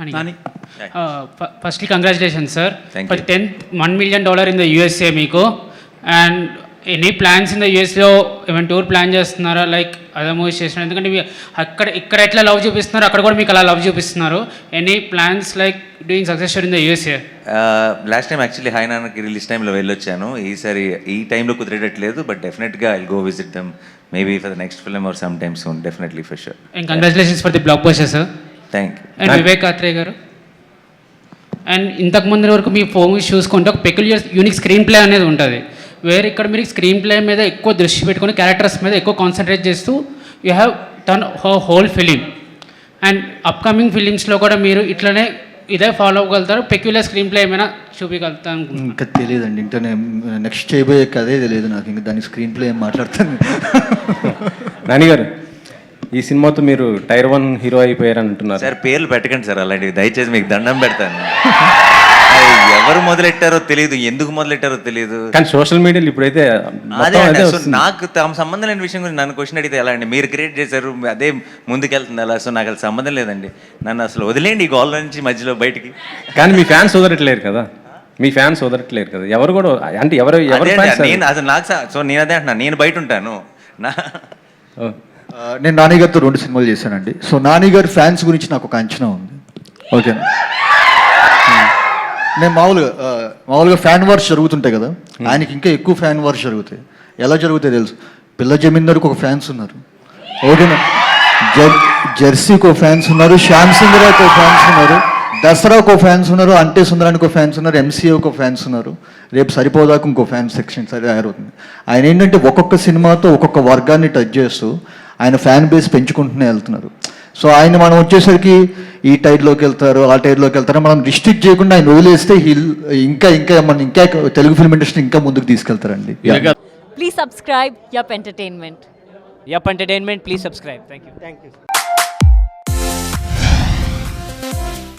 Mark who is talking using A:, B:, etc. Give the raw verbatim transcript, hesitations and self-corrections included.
A: Nani
B: firstly congratulations sir
C: Thank
B: for
C: you.
B: Ten one million dollar in the USA మీకు. And any plans in the యూఎస్లో ఏమైనా tour plan చేస్తున్నారా like other movies చేస్తున్నారు? ఎందుకంటే మీ అక్కడ ఇక్కడ ఎట్లా లవ్ చూపిస్తున్నారు అక్కడ కూడా మీకు అలా లవ్ చూపిస్తున్నారు. Any plans like doing success in the USA?
C: Last time actually hi నాన్నకి రిలీజ్ టైంలో వెళ్ళొచ్చాను. ఈసారి ఈ టైంలో కుదిరేటట్లేదు, బట్ డెఫినెట్గా I go visit them maybe for the next film or some time soon, definitely for sure.
B: And congratulations for the blockbuster sir.
C: Thank you.
B: And Vivek Athreya garu, and ఇంతకు ముందు వరకు మీ ఫోన్స్ చూసుకుంటే ఒక పెక్యులియర్ యూనిక్ స్క్రీన్ ప్లే అనేది ఉంటుంది. వేరే ఇక్కడ మీరు స్క్రీన్ ప్లే మీద ఎక్కువ దృష్టి పెట్టుకుని క్యారెక్టర్స్ మీద ఎక్కువ కాన్సన్ట్రేట్ చేస్తూ you have turn whole film. And upcoming ఫిలిమ్స్లో కూడా మీరు ఇట్లనే ఇదే ఫాలో అవ్వగలుగుతారు? పెక్యులర్ స్క్రీన్ ప్లే ఏమైనా చూపించగలుగుతాను?
A: ఇంకా తెలియదండి, ఇంకా నేను నెక్స్ట్ చేయబోయే కదే తెలియదు నాకు, ఇంకా దాని స్క్రీన్ ప్లే ఏం మాట్లాడతాను.
D: నాని గారు, ఈ సినిమాతో మీరు టైర్ వన్ హీరో అయిపోయారని అంటున్నారు
C: సార్. పేర్లు పెట్టకండి సార్ అలాంటివి, దయచేసి మీకు దండం పెడతాను. ఎవరు మొదలెట్టారో తెలియదు, ఎందుకు మొదలెట్టారో తెలియదు.
D: కానీ సోషల్ మీడియాలో ఇప్పుడైతే
C: అదే అండి, సో నాకు తమ సంబంధం లేని విషయం గురించి నన్ను క్వశ్చన్ అడిగితే ఎలా అండి? మీరు క్రియేట్ చేశారు, అదే ముందుకెళ్తుంది అలా. సో నాకు అసలు సంబంధం లేదండి, నన్ను అసలు వదిలేండి ఈ గోల్ నుంచి మధ్యలో బయటికి.
D: కానీ మీ ఫ్యాన్స్ వదలట్లేరు కదా, మీ ఫ్యాన్స్ వదలట్లేరు కదా ఎవరు కూడా, అంటే ఎవరు ఎవరు
C: నేను అసలు నాకు సో నేను అదే అంటున్నా, నేను బయట ఉంటాను నా.
A: నేను నాని గారితో రెండు సినిమాలు చేశానండి. సో నాని గారి ఫ్యాన్స్ గురించి నాకు ఒక అంచనా ఉంది, ఓకేనా? నేను మామూలుగా మామూలుగా ఫ్యాన్ వార్స్ జరుగుతుంటాయి కదా, ఆయనకి ఇంకా ఎక్కువ ఫ్యాన్ వార్స్ జరుగుతాయి. ఎలా జరుగుతాయి తెలుసు? పిల్ల జమీందార్కి ఒక ఫ్యాన్స్ ఉన్నారు, ఓకేనా? జర్ జెర్సీకి ఒక ఫ్యాన్స్ ఉన్నారు, శ్యామ్ సింగరాకి ఒక ఫ్యాన్స్ ఉన్నారు, దసరాకు ఒక ఫ్యాన్స్ ఉన్నారు, అంటే సుందరానికి ఒక ఫ్యాన్స్ ఉన్నారు, ఎంసీఏకి ఒక ఫ్యాన్స్ ఉన్నారు. రేపు సరిపోదాక ఇంకో ఫ్యాన్స్ సెక్షన్ సరి తయారవుతుంది. ఆయన ఏంటంటే ఒక్కొక్క సినిమాతో ఒక్కొక్క వర్గాన్ని టచ్ చేస్తూ ఆయన ఫ్యాన్ బేస్ పెంచుకుంటూనే వెళ్తున్నారు. సో ఆయన మనం వచ్చేసరికి ఈ టైర్లోకి వెళ్తారు, ఆ టైర్లోకి వెళ్తారు, మనం రిస్ట్రిక్ట్ చేయకుండా ఆయన వదిలేస్తే హిల్ ఇంకా ఇంకా మన ఇంకా తెలుగు ఫిల్మ్ ఇండస్ట్రీ ఇంకా ముందుకు తీసుకెళ్తారండి.
E: Please subscribe Yup Entertainment.
F: Yup Entertainment, please subscribe. Thank you.
G: Thank you.